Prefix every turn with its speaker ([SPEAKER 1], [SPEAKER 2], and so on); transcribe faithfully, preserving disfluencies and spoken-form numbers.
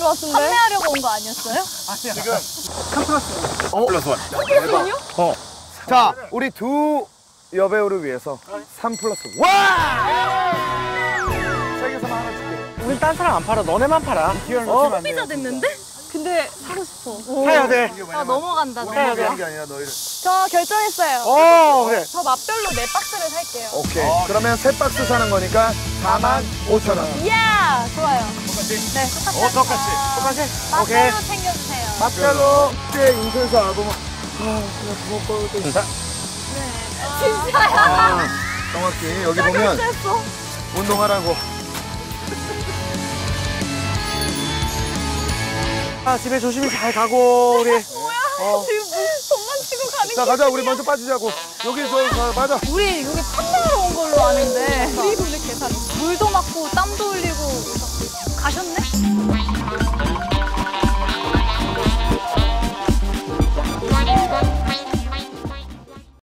[SPEAKER 1] 것 같은데? 판매하려고 온 거 아니었어요?
[SPEAKER 2] 아니야. 지금 삼 플러스
[SPEAKER 3] 어?
[SPEAKER 2] 플러스 원.
[SPEAKER 1] 삼 플러스 원이요?
[SPEAKER 3] 어. 자, 우리 두 여배우를 위해서 삼 플러스 와! 세계에서만 하나 줄게.
[SPEAKER 4] 우린 딴 사람 안 팔아. 너네만 팔아.
[SPEAKER 3] 기회를
[SPEAKER 4] 어?
[SPEAKER 3] 놓치면 안 돼.
[SPEAKER 1] 소비자 됐는데? 근데 사고 싶어.
[SPEAKER 4] 사야 돼.
[SPEAKER 1] 아 넘어간다.
[SPEAKER 3] 우리
[SPEAKER 4] 해야 돼.
[SPEAKER 3] 얘기한 게 아니라 너희를.
[SPEAKER 1] 저 결정했어요.
[SPEAKER 4] 어, 그래.
[SPEAKER 1] 저 맛별로 네 박스를 살게요.
[SPEAKER 3] 오케이. 그러면 세 박스 사는 거니까 사만 오천 원.
[SPEAKER 1] 이야 좋아요.
[SPEAKER 2] 똑같이.
[SPEAKER 1] 네 똑같이.
[SPEAKER 2] 어, 똑같이.
[SPEAKER 4] 똑같이? 오케이.
[SPEAKER 1] 맛별로 챙겨주세요.
[SPEAKER 3] 맛별로 때 인쇄소 앨범. 아, 그냥 부먹고 또.
[SPEAKER 4] 진짜?
[SPEAKER 1] 진짜야.
[SPEAKER 3] 아, 정확히 여기 보면
[SPEAKER 1] 결정했어.
[SPEAKER 3] 운동하라고.
[SPEAKER 4] 아, 집에 조심히 잘 가고, 우리.
[SPEAKER 1] 뭐야?
[SPEAKER 4] 어.
[SPEAKER 1] 지금 뭐 돈만 치고 가는
[SPEAKER 3] 자,
[SPEAKER 1] 거.
[SPEAKER 3] 가자. 우리 먼저 빠지자고. 여기 저 가, 맞아.
[SPEAKER 1] 우리 여기 판매하러 온 걸로 아는데 우리 오늘 계산 물도 맞고 땀도 흘리고 가셨네?